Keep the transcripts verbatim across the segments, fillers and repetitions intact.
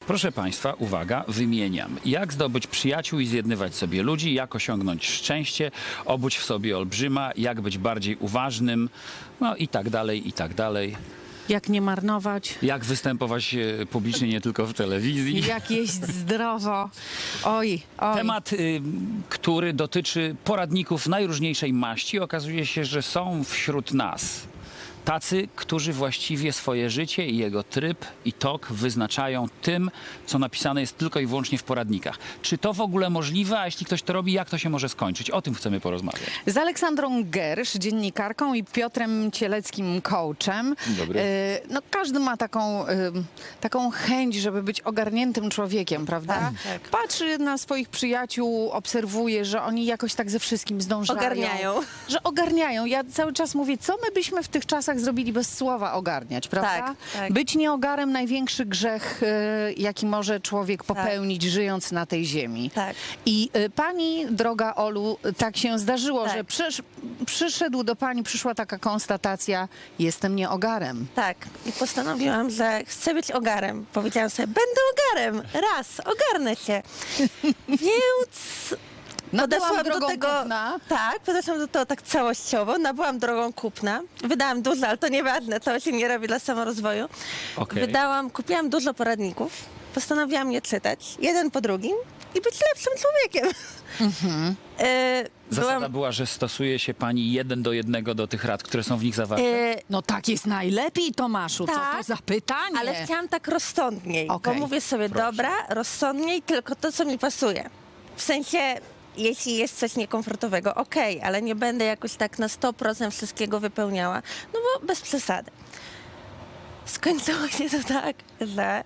Proszę Państwa, uwaga, wymieniam. Jak zdobyć przyjaciół i zjednywać sobie ludzi, jak osiągnąć szczęście, obudź w sobie olbrzyma, jak być bardziej uważnym, no i tak dalej, i tak dalej. Jak nie marnować, Jak występować e, publicznie, nie tylko w telewizji. jak jeść zdrowo. Oj, oj. Temat, y, który dotyczy poradników najróżniejszej maści, okazuje się, że są wśród nas tacy, którzy właściwie swoje życie i jego tryb i tok wyznaczają tym, co napisane jest tylko i wyłącznie w poradnikach. Czy to w ogóle możliwe, a jeśli ktoś to robi, jak to się może skończyć? O tym chcemy porozmawiać. Z Aleksandrą Gersz, dziennikarką, i Piotrem Cieleckim, coachem. Dzień dobry. E, No, każdy ma taką, e, taką chęć, żeby być ogarniętym człowiekiem, prawda? Tak, tak. Patrzy na swoich przyjaciół, obserwuje, że oni jakoś tak ze wszystkim zdążają. Ogarniają. Że ogarniają. Ja cały czas mówię, co my byśmy w tych czasach zrobili bez słowa ogarniać, prawda? Tak, tak. Być nieogarem największy grzech, e, jaki może człowiek popełnić, żyjąc na tej ziemi. Tak. I y, pani, droga Olu, tak się zdarzyło, Tak. że przysz, przyszedł do pani, przyszła taka konstatacja, jestem nieogarem. Tak. I postanowiłam, że chcę być ogarem. Powiedziałam sobie, będę ogarem. Raz, ogarnę się. Więc No byłam podeszłam drogą do tego. kupna. Tak, podeszłam do tego tak całościowo. Nabyłam drogą kupna. Wydałam dużo, ale to nieważne, to się nie robi dla samorozwoju. Okej. Wydałam, kupiłam dużo poradników. Postanowiłam je czytać, jeden po drugim i być lepszym człowiekiem. E, Zasada byłam, była, że stosuje się pani jeden do jednego do tych rad, które są w nich zawarte. e, No tak jest najlepiej, Tomaszu, co to Tak, za pytanie? ale chciałam tak rozsądniej, Okej, bo mówię sobie, proszę. dobra, rozsądniej, tylko to, co mi pasuje. W sensie, jeśli jest coś niekomfortowego, okej, ale nie będę jakoś tak na sto procent wszystkiego wypełniała, no bo bez przesady. Skończyło się to tak, że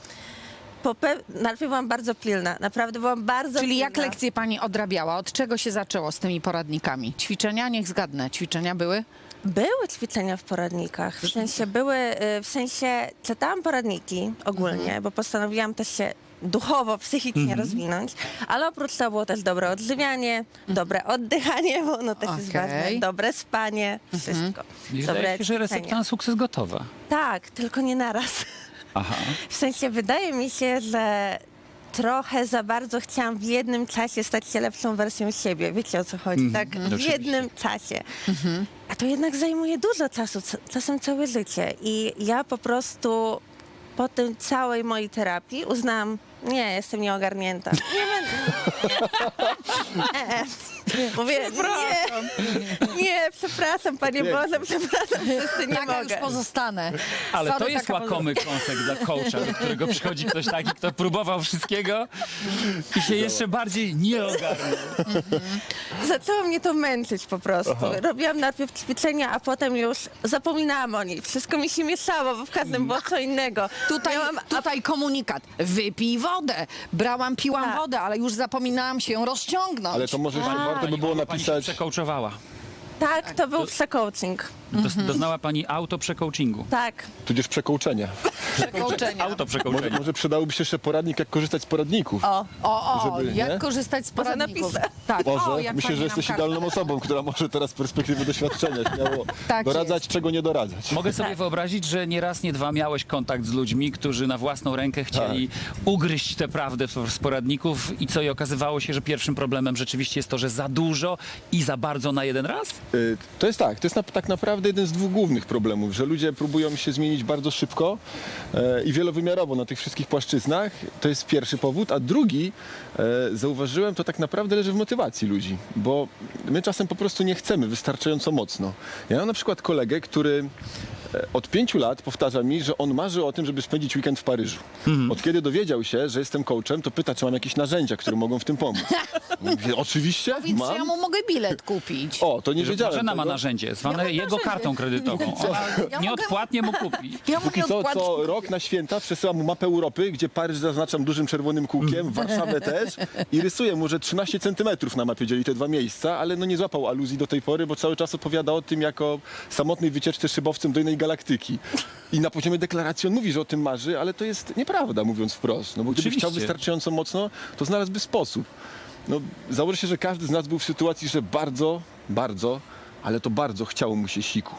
po pe- najpierw byłam bardzo pilna, naprawdę byłam bardzo Czyli pilna. jak lekcje pani odrabiała? Od czego się zaczęło z tymi poradnikami? Ćwiczenia? Niech zgadnę. Ćwiczenia były? Były ćwiczenia w poradnikach, w sensie były, y, w sensie czytałam poradniki ogólnie, Mhm. bo postanowiłam też się duchowo, psychicznie rozwinąć, ale oprócz tego było też dobre odżywianie, dobre oddychanie, bo ono też jest Okej. ważne, dobre spanie, wszystko. I Dobre wydaje się, że recepta ćwiczenia. na sukces gotowa. Tak, tylko nie naraz. Aha. W sensie wydaje mi się, że trochę za bardzo chciałam w jednym czasie stać się lepszą wersją siebie. Wiecie, o co chodzi? Tak, w Oczywiście. jednym czasie. A to jednak zajmuje dużo czasu, c- czasem całe życie. I ja po prostu po tym całej mojej terapii uznałam, nie, jestem nieogarnięta. Nie będę. Nie. E, e. Mówię, nie, nie, przepraszam, Panie Boże, przepraszam, wszyscy nie Taka już mogę. pozostanę. Ale Sorry, to jest taka łakomy kąsek dla coacha, do którego przychodzi ktoś taki, kto próbował wszystkiego i się jeszcze bardziej nie ogarnął. Zaczęło mnie to męczyć po prostu. Robiłam najpierw ćwiczenia, a potem już zapominałam o niej. Wszystko mi się mieszało, bo w każdym było co innego. Tutaj, Miałam, tutaj komunikat. Wypij wodę. Brałam, piłam Tak. wodę, ale już zapominałam się ją rozciągnąć. Ale to może warto by było Pani się napisać... przekołczowała. tak, to był przecoaching. Dos- Doznała pani auto przecoachingu. Tak. tudzież przekołczenia. Przekołczenia. Auto Może, przecoachenia. może przydałoby się jeszcze poradnik, jak korzystać z poradników. O, O, o, Żeby, jak nie? korzystać z Może poradników. napiszę. Tak, Może. o, jak Myślę, pani że nam jesteś kartę. idealną osobą, która może teraz z perspektywy doświadczenia śmiało Tak doradzać, jest. czego nie doradzać. Mogę sobie wyobrazić, że nie raz, nie dwa miałeś kontakt z ludźmi, którzy na własną rękę chcieli ugryźć tę prawdę z poradników i co, i okazywało się, że pierwszym problemem rzeczywiście jest to, że za dużo i za bardzo na jeden raz? Y, To jest tak, to jest na, tak naprawdę jeden z dwóch głównych problemów, że ludzie próbują się zmienić bardzo szybko e, i wielowymiarowo na tych wszystkich płaszczyznach. To jest pierwszy powód, a drugi, e, zauważyłem, to tak naprawdę leży w motywacji ludzi, bo my czasem po prostu nie chcemy wystarczająco mocno. Ja mam na przykład kolegę, który e, od pięciu lat powtarza mi, że on marzy o tym, żeby spędzić weekend w Paryżu. Od kiedy dowiedział się, że jestem coachem, to pyta, czy mam jakieś narzędzia, które mogą w tym pomóc. Mówię, oczywiście, Więc mam. ja mu mogę bilet kupić. O, to nie Że wiedziałem Marzena ma tego. narzędzie, zwane Ja mam jego narzędzie. kartą kredytową. Ona Ja nieodpłatnie mu kupi. Ja Póki mówię co, odpłat- co rok na święta przesyłam mu mapę Europy, gdzie Paryż zaznaczam dużym czerwonym kółkiem, Warszawę też i rysuję mu, że trzynaście centymetrów na mapie dzieli te dwa miejsca, ale no nie złapał aluzji do tej pory, bo cały czas opowiada o tym jako samotnej wycieczce szybowcem do innej galaktyki. I na poziomie deklaracji on mówi, że o tym marzy, ale to jest nieprawda, mówiąc wprost. No bo gdyby Oczywiście. chciał wystarczająco mocno, to znalazłby sposób. No, założę się, że każdy z nas był w sytuacji, że bardzo, bardzo ale to bardzo chciało mu się siku.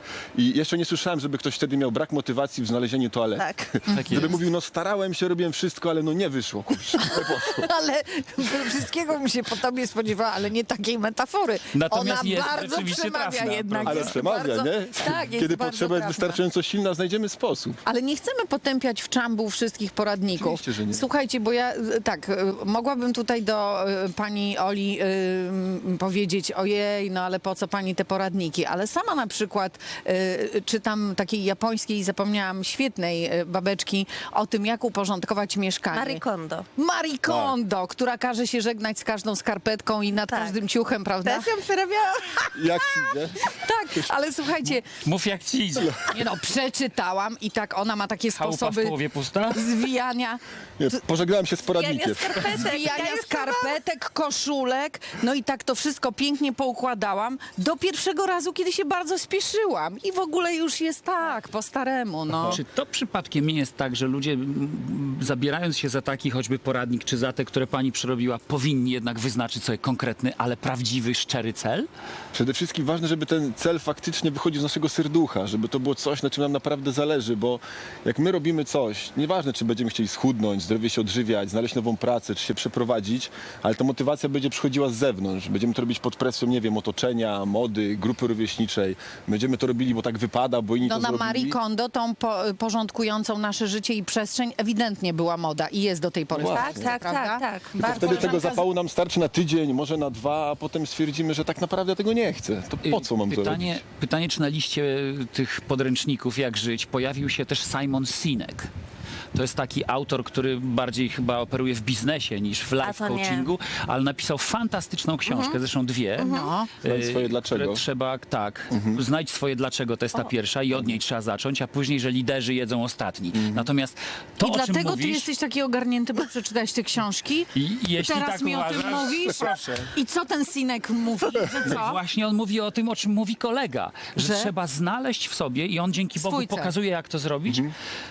I jeszcze nie słyszałem, żeby ktoś wtedy miał brak motywacji w znalezieniu toalety. Tak. Tak Żeby jest. mówił, no starałem się, robiłem wszystko, ale no nie wyszło, kurczę, nie poszło. Ale wszystkiego bym się po tobie spodziewała, ale nie takiej metafory. Natomiast Ona jest bardzo rzeczywiście przemawia trafna, jednak. prawda? Ale Jest przemawia, bardzo, nie? Tak, jest Kiedy bardzo potrzeba jest trafna. wystarczająco silna, znajdziemy sposób. Ale nie chcemy potępiać w czambu wszystkich poradników. Oczywiście, że nie. Słuchajcie, bo ja y, tak, y, mogłabym tutaj do y, pani Oli y, m, powiedzieć, ojej, no ale po co pani te poradniki? Ale sama na przykład y, czytam takiej japońskiej, zapomniałam, świetnej y, babeczki o tym, jak uporządkować mieszkanie. Marie Kondo. Marie Kondo, która każe się żegnać z każdą skarpetką i nad Tak. każdym ciuchem, prawda? Też ją przerabiałam. Jak ci idzie? Tak, ale słuchajcie, Mów jak ci idzie. nie no, przeczytałam i tak ona ma takie Chałupa w sposoby połowie pusta? zwijania. Nie, pożegnałem się z Ja poradnikiem. nie skarpetek. Zwijania Ja już skarpetek, koszulek, no i tak to wszystko pięknie poukładałam do pierwszego razu, kiedy się bardzo spieszyłam i w ogóle już jest tak, po staremu, no. Czy to przypadkiem nie jest tak, że ludzie mm, zabierając się za taki choćby poradnik, czy za te, które pani przerobiła, powinni jednak wyznaczyć sobie konkretny, ale prawdziwy, szczery cel? Przede wszystkim ważne, żeby ten cel faktycznie wychodził z naszego serducha, żeby to było coś, na czym nam naprawdę zależy, bo jak my robimy coś, nieważne czy będziemy chcieli schudnąć, zdrowie się odżywiać, znaleźć nową pracę, czy się przeprowadzić, ale ta motywacja będzie przychodziła z zewnątrz. Będziemy to robić pod presją, nie wiem, otoczenia, mody, grupy rówieśniczej. Będziemy to robili, bo tak wypada, bo inni No to na zrobili. Marie Kondo, tą po, porządkującą nasze życie i przestrzeń, ewidentnie była moda i jest do tej pory. No w właśnie. Polsce, Tak, tak, prawda? tak, tak. Tylko Bardzo. wtedy tego koleżanka z- zapału nam starczy na tydzień, może na dwa, a potem stwierdzimy, że tak naprawdę ja tego nie chcę. To po co mam to pytanie, robić? pytanie, czy na liście tych podręczników Jak żyć pojawił się też Simon Sinek. To jest taki autor, który bardziej chyba operuje w biznesie niż w life to nie. coachingu, ale napisał fantastyczną książkę, zresztą dwie. No. Znajdź swoje e, dlaczego. które trzeba, tak, znajdź swoje dlaczego, to jest ta pierwsza i od niej trzeba zacząć, a później, że liderzy jedzą ostatni. Natomiast to, I o czym dlatego mówisz, ty jesteś taki ogarnięty, bo przeczytałeś te książki? I jeśli Teraz tak mi o tym uważasz, mówisz? proszę. I co ten Sinek mówi, że co? Właśnie on mówi o tym, o czym mówi kolega, że, Że? trzeba znaleźć w sobie i on dzięki Bogu Swój cel. pokazuje, jak to zrobić.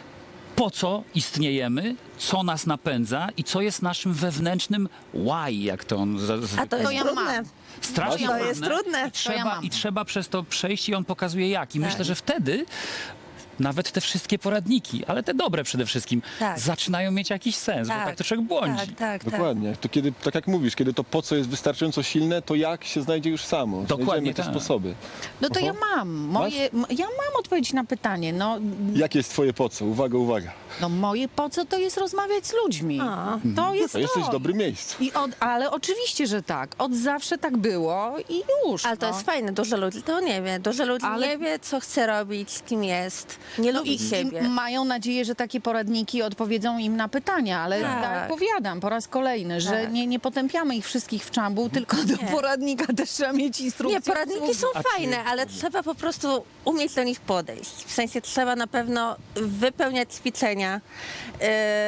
Po co istniejemy, co nas napędza i co jest naszym wewnętrznym why, jak to on za- A to zwykle jest ja trudne. mam. strasznie To trudne. jest trudne. I To ja trzeba, mam. I trzeba przez to przejść i on pokazuje jak. I Tak. myślę, że wtedy nawet te wszystkie poradniki, ale te dobre przede wszystkim, Tak. zaczynają mieć jakiś sens, bo tak to człowiek błądzi. Tak, tak, tak. Dokładnie. To kiedy, tak jak mówisz, kiedy to po co jest wystarczająco silne, to jak się znajdzie już samo. Dokładnie Znajdziemy te tak. sposoby. No to Oho. ja mam. Moje, m- ja mam odpowiedź na pytanie. No, Jakie jest twoje po co? Uwaga, uwaga. no moje po co to jest rozmawiać z ludźmi. A. To jest To to. jesteś w dobrym miejscu. I od, ale oczywiście, że tak. Od zawsze tak było i już. Ale to no. jest fajne, dużo ludzi to nie wie. Dużo ludzi Ale- nie wie, co chce robić, kim jest. Nie No lubi i, siebie. i mają nadzieję, że takie poradniki odpowiedzą im na pytania, ale Tak. tak. powiadam po raz kolejny, że Tak. nie, nie potępiamy ich wszystkich w czambu, tylko do poradnika też trzeba mieć instrukcję. Nie, poradniki są A czy- fajne, ale trzeba po prostu umieć do nich podejść. W sensie trzeba na pewno wypełniać ćwiczenia, yy,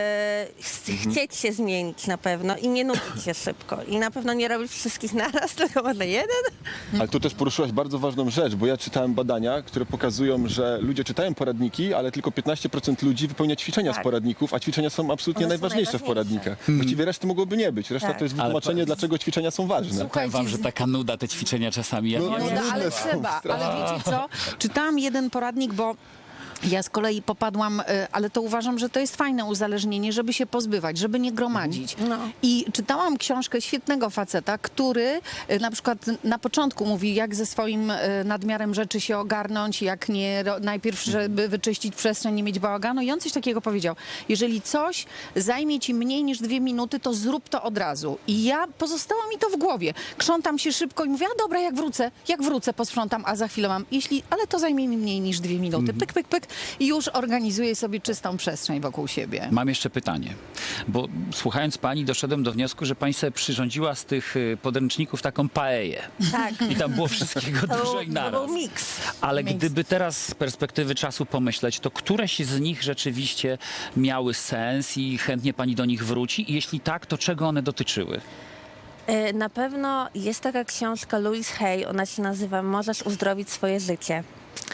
ch- chcieć się zmienić na pewno i nie nudzić się szybko. I na pewno nie robić wszystkich naraz, tylko może jeden. Ale tu też poruszyłaś bardzo ważną rzecz, bo ja czytałem badania, które pokazują, że ludzie czytają poradniki, ale tylko piętnaście procent ludzi wypełnia ćwiczenia Tak. z poradników, a ćwiczenia są absolutnie One są najważniejsze w najważniejsze. poradnikach. Właściwie reszty mogłoby nie być. Reszta Tak. to jest Ale wytłumaczenie, po- dlaczego ćwiczenia są ważne. Słuchaj, Powiem wam, że z- taka nuda te ćwiczenia czasami. Ja No, nie No, no, wiem. no, ale różne są, trzeba. strasznie. Ale wiecie co? Czytałam jeden poradnik, bo ja z kolei popadłam, y, ale to uważam, że to jest fajne uzależnienie, żeby się pozbywać, żeby nie gromadzić. No. I czytałam książkę świetnego faceta, który y, na przykład na początku mówi, jak ze swoim y, nadmiarem rzeczy się ogarnąć, jak nie ro- najpierw, żeby wyczyścić przestrzeń, nie mieć bałaganu. I on coś takiego powiedział. Jeżeli coś zajmie ci mniej niż dwie minuty, to zrób to od razu. I ja pozostało mi to w głowie. Krzątam się szybko i mówię, a dobra, jak wrócę, jak wrócę, posprzątam, a za chwilę mam, jeśli, ale to zajmie mi mniej niż dwie minuty. Pyk, pyk, pyk i już organizuję sobie czystą przestrzeń wokół siebie. Mam jeszcze pytanie, bo słuchając pani doszedłem do wniosku, że pani sobie przyrządziła z tych y, podręczników taką paeję. Tak. I tam było wszystkiego To dużo był, i to naraz. był miks. Ale Miks. gdyby teraz z perspektywy czasu pomyśleć, to któreś z nich rzeczywiście miały sens i chętnie pani do nich wróci? I jeśli tak, to czego one dotyczyły? E, Na pewno jest taka książka Louise Hay, ona się nazywa Możesz uzdrowić swoje życie.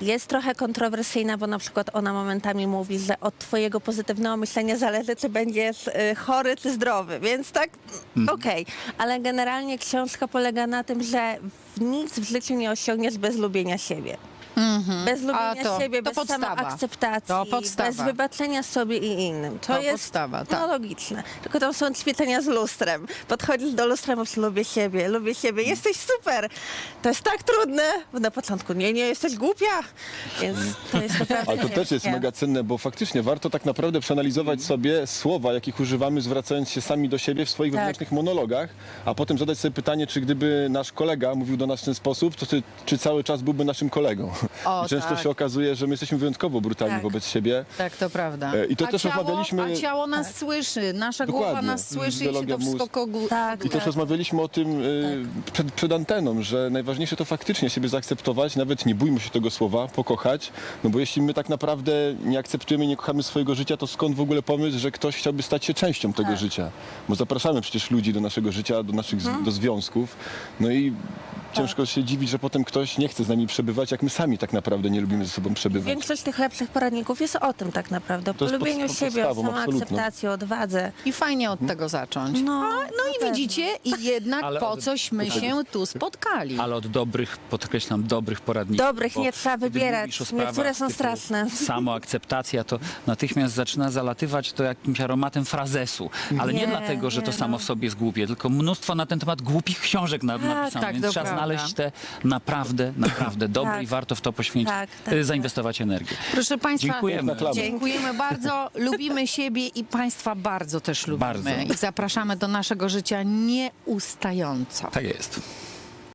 Jest trochę kontrowersyjna, bo na przykład ona momentami mówi, że od twojego pozytywnego myślenia zależy, czy będziesz y, chory, czy zdrowy, więc tak, okej. Ale generalnie książka polega na tym, że w nic w życiu nie osiągniesz bez lubienia siebie. Bez lubienia A to- siebie, to bez podstawa. samoakceptacji, To podstawa. bez wybaczenia sobie i innym. To, To jest podstawa, tak. no, logiczne. Tylko tam są ćwiczenia z lustrem. Podchodzisz do lustra, mówisz, lubię siebie, lubię siebie, jesteś super. To jest tak trudne. Bo na początku, nie, nie, jesteś głupia. Więc to jest naprawdę Ale to też jest ciężkie. mega cenne, bo faktycznie warto tak naprawdę przeanalizować sobie słowa, jakich używamy, zwracając się sami do siebie w swoich Tak. wewnętrznych monologach, a potem zadać sobie pytanie, czy gdyby nasz kolega mówił do nas w ten sposób, to czy, czy cały czas byłby naszym kolegą. O, I często tak. się okazuje, że my jesteśmy wyjątkowo brutalni Tak. wobec siebie. Tak, to prawda. E, i to a też ciało, rozmawialiśmy- A ciało nas słyszy, nasza głowa Dokładnie. nas słyszy i się Biologia, to wszystko mózg. kogu... Tak, I też tak. rozmawialiśmy o tym y, przed, przed anteną, że najważniejsze to faktycznie siebie zaakceptować, nawet nie bójmy się tego słowa, pokochać, no bo jeśli my tak naprawdę nie akceptujemy, nie kochamy swojego życia, to skąd w ogóle pomysł, że ktoś chciałby stać się częścią tego Tak. życia? Bo zapraszamy przecież ludzi do naszego życia, do naszych z, do związków, no i ciężko się dziwić, że potem ktoś nie chce z nami przebywać, jak my sami tak naprawdę nie lubimy ze sobą przebywać. Większość tych lepszych poradników jest o tym tak naprawdę. O To jest polubieniu pod- siebie, o podstawą, samoakceptacji, o odwadze. I fajnie od tego zacząć. No, A, no i pewno. widzicie, i jednak Ale po od- coś,my się tu spotkali. Ale od dobrych, podkreślam, dobrych poradników. Dobrych bo nie trzeba gdy wybierać. mówisz o sprawach Niektóre są typu straszne. Samoakceptacja to natychmiast zaczyna zalatywać to jakimś aromatem frazesu. Ale nie, Nie, dlatego, że to nie, samo no. w sobie jest głupie, tylko mnóstwo na ten temat głupich książek na, napisano. tak, Więc to trzeba prawda. znaleźć te naprawdę, naprawdę dobre Tak. i warto w to poświęcić, Tak, tak, y, tak. zainwestować energię. Proszę Państwa, Dziękujemy. Na klamę. dziękujemy bardzo, lubimy siebie i Państwa bardzo też lubimy. Bardzo. I zapraszamy do naszego życia nieustająco. Tak jest.